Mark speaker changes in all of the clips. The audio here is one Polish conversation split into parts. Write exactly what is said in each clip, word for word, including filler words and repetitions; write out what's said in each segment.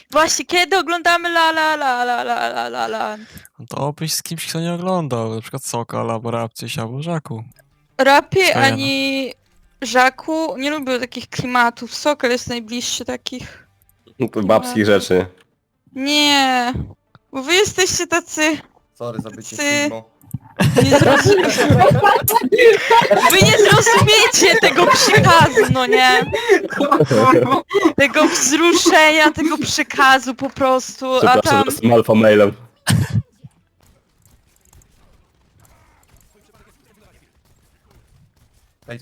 Speaker 1: Właśnie, kiedy oglądamy La La La La La La La La?
Speaker 2: No to obyś z kimś, kto nie oglądał, na przykład Sokal, albo Rapcyś, albo Żaku.
Speaker 1: Rapie
Speaker 2: Skajana.
Speaker 1: ani Żaku nie lubią takich klimatów. Sokol jest najbliższy takich.
Speaker 3: No to babskich rzeczy.
Speaker 1: Nie, bo wy jesteście tacy...
Speaker 4: Sorry za bycie
Speaker 1: Ty-
Speaker 4: Sigmo.
Speaker 1: Nie zrozumiecie. Wy nie zrozumiecie tego przekazu, no nie? Tego wzruszenia, tego przekazu po prostu, a
Speaker 3: Przepraszam,
Speaker 1: tam...
Speaker 3: że jestem alfa mailem.
Speaker 4: Ej,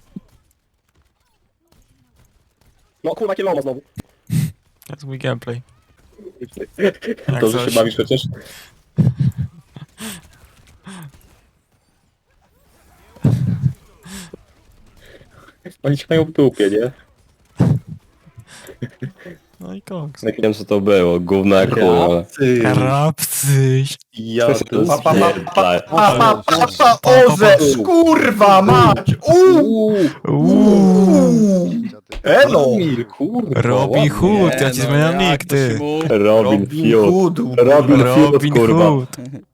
Speaker 3: No kurwa, kieloma znowu.
Speaker 2: To jest mój gameplay.
Speaker 3: To, że
Speaker 2: coś.
Speaker 3: się bawisz przecież. Oni ci mają w dupie, nie?
Speaker 2: No i koks.
Speaker 3: Nie wiem co to było, gówno jak chuj, ale...
Speaker 2: Rapcyś.
Speaker 3: Ja
Speaker 4: Pa,
Speaker 3: to
Speaker 4: pa, pa,
Speaker 3: spierdolę.
Speaker 4: pa, pa, pa, pa, Orzesz, kurwa mać! Uuu! Uuu! Elo!
Speaker 3: Kurwa,
Speaker 2: Robin
Speaker 3: ładnie.
Speaker 2: Hood, ja ci zmieniam nick, ty.
Speaker 3: Robin Field.
Speaker 4: Hoodu.
Speaker 3: Robin Field,
Speaker 2: Robin
Speaker 3: kurwa.
Speaker 2: Hood.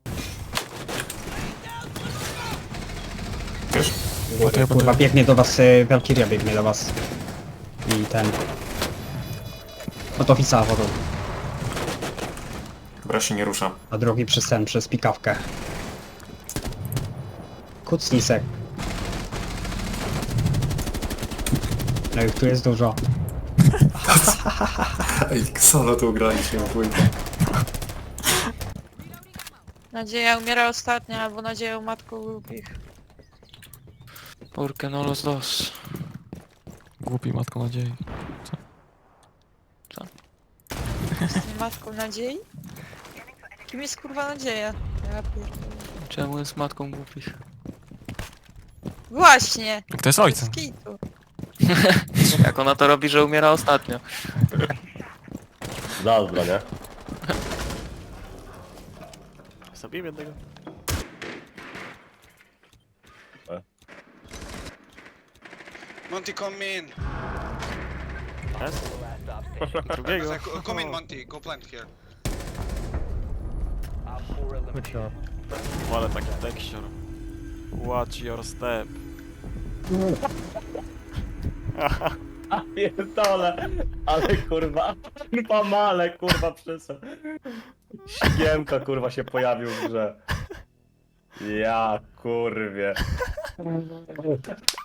Speaker 5: Kurwa, biegnie do was, y, Valkyria biegnie do was. I ten... Od ofica wodą,
Speaker 6: Dobra, się nie ruszam.
Speaker 5: a drugi przez ten, przez pikawkę. Kucnij sek. No i tu jest dużo.
Speaker 6: Ej, solo tu graliśmy, dwójkę.
Speaker 1: Nadzieja umiera ostatnia, albo nadzieją matką głupich.
Speaker 7: Porque no los dos.
Speaker 2: Głupi matką nadziei.
Speaker 1: Jest matką nadziei? Kim jest kurwa nadzieja? Ja pierdolę.
Speaker 7: Czemu jest matką głupich?
Speaker 1: Właśnie!
Speaker 2: Kto jest ojcem?
Speaker 1: Bez kitu.
Speaker 7: Jak ona to robi, że umiera ostatnio?
Speaker 3: Zazdro, nie?
Speaker 2: Zabiję jednego.
Speaker 8: Monty, come in.
Speaker 2: Drugiego.
Speaker 8: Like, come in, Monty. Go plant here.
Speaker 2: Ale taki tekścior. Watch your step.
Speaker 3: Pierdole, ale kurwa, kurwa male, kurwa przyszedł. Śniemka kurwa się pojawił w grze. Ja kurwie.